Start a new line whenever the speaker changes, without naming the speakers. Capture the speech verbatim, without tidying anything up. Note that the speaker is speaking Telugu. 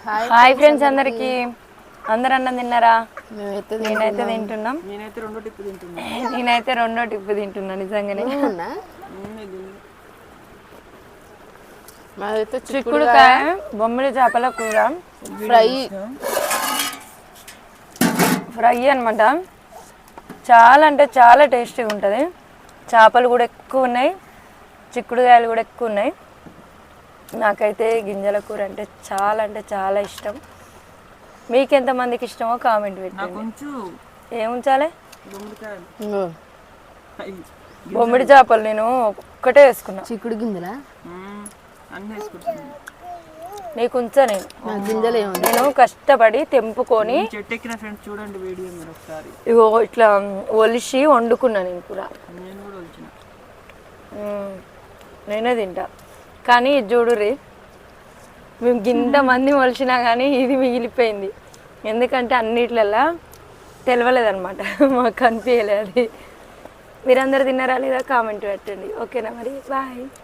హాయ్ ఫ్రెండ్స్ అందరికి అందరు అన్నం తిన్నారా? నేనైతే తింటున్నాం.
నేనైతే రెండో టిప్పు తింటున్నా.
నేనైతే రెండో టిప్పు తింటున్నా నిజంగానే.
మాదైతే
చిక్కుడుకాయ బొమ్మిడి చేపల కూర
ఫ్రై
ఫ్రై అనమాట. చాలా అంటే చాలా టేస్టీగా ఉంటుంది. చేపలు కూడా ఎక్కువ ఉన్నాయి, చిక్కుడుకాయలు కూడా ఎక్కువ ఉన్నాయి. నాకైతే గింజల కూర అంటే చాలా అంటే చాలా ఇష్టం. మీకు ఎంతమందికి ఇష్టమో కామెంట్ పెట్టండి. ఏం ఉంచాలి? బొమ్మిడి చేపలు నేను ఒక్కటే వేసుకున్నా.
చిక్కుడు గింజలా
నీకు ఉంచా నేను
గింజలు
నేను కష్టపడి తెంపుకొని
చెట్టెక్కిన ఫ్రెండ్స్ చూడండి వీడియో మీరు ఒకసారి.
ఇగో ఇట్లా ఒలిసి వండుకున్నా నేను కూడా.
నేను కూడా ఒలిచిన.
నేనే తింటా. కానీ ఇది చూడుర్రి, మేము గింత మంది ఒలిచినా కానీ ఇది మిగిలిపోయింది. ఎందుకంటే అన్నిట్లల్లా తెలవలేదన్నమాట, మాకు కనిపించలేదు. అది మీరందరూ తిన్నారా లేదా కామెంట్ పెట్టండి. ఓకేనా మరి, బాయ్.